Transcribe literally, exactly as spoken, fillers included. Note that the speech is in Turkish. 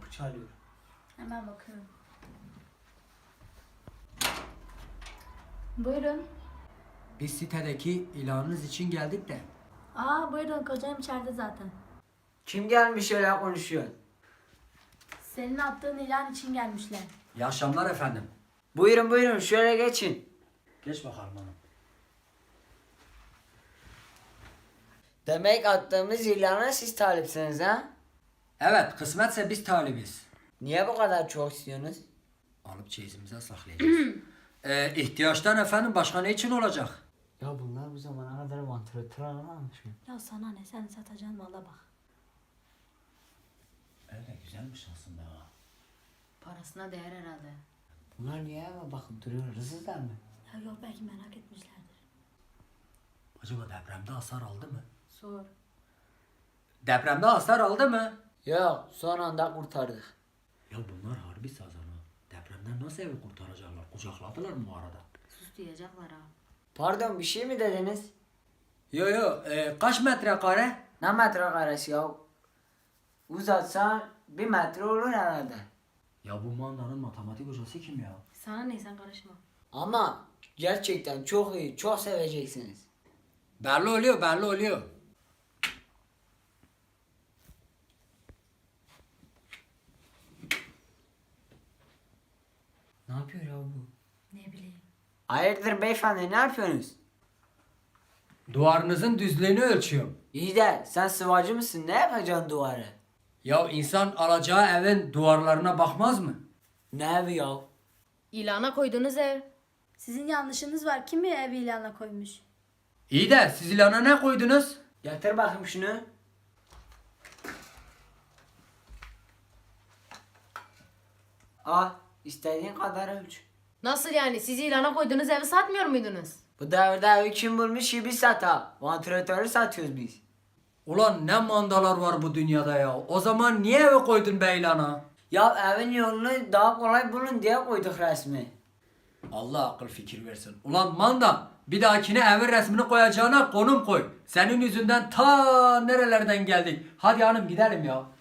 kapı çalıyor. Hemen bakıyorum. Buyurun. Biz sitedeki ilanınız için geldik de. Aa buyurun, kocam içeride zaten. Kim gelmiş öyle konuşuyor? Senin attığın ilan için gelmişler. İyi akşamlar efendim. Buyurun buyurun şöyle geçin. Geç bakalım hanım. Demek attığımız ilana siz talipsiniz ha? Evet, kısmetse biz talibiz. Niye bu kadar çok istiyorsunuz? Alıp çeyizimize saklayacağız. ee, ihtiyaçtan efendim başka ne için olacak? Ya bunlar bu zamana kadar vantilatör alamamış mı? Ya sana ne, sen satacaksın valla bak. Öyle güzelmiş aslında ha. Parasına değer herhalde. Bunlar niye eve bakıp duruyor? Hırsızlar mı? Ya yok, belki merak etmişlerdir. Acaba depremde hasar aldı mı? Sor. Depremde hasar aldı mı? Yok son anda kurtardık. Ya bunlar harbi sazan ha. Depremden nasıl evi kurtaracaklar? Kucakladılar mı bu arada? Sus diyecekler ha. Pardon bir şey mi dediniz? Yo yo, e, kaç metrekare? Ne metrekaresi ya? Uzatsan bir metre olur herhalde. Ya bu mandanın matematik hocası kim ya? Sana ne, sen karışma. Ama gerçekten çok iyi, çok seveceksiniz. Belli oluyor, belli oluyor. Ne yapıyor ya bu? Ne bileyim. Hayırdır beyefendi ne yapıyorsunuz? Duvarınızın düzlüğünü ölçüyorum. İyi de sen sıvacı mısın? Ne yapacaksın duvarı? Ya insan alacağı evin duvarlarına bakmaz mı? Ne evi ya? İlana koyduğunuz ev. Sizin yanlışınız var. Kim bir ev ilana koymuş? İyi de siz ilana ne koydunuz? Getir bakayım şunu. Al istediğin kadar ölç. Nasıl yani? Siz ilana koyduğunuz evi satmıyor muydunuz? Bu devirde evi kim bulmuş ki biz sata. Vantilatörü satıyoruz biz. Ulan ne mandalar var bu dünyada ya. O zaman niye eve koydun be ilana? Ya evin yolunu daha kolay bulun diye koyduk resmi. Allah akıl fikir versin. Ulan manda, bir dahakine evin resmini koyacağına konum koy. Senin yüzünden ta nerelerden geldik. Hadi hanım gidelim ya.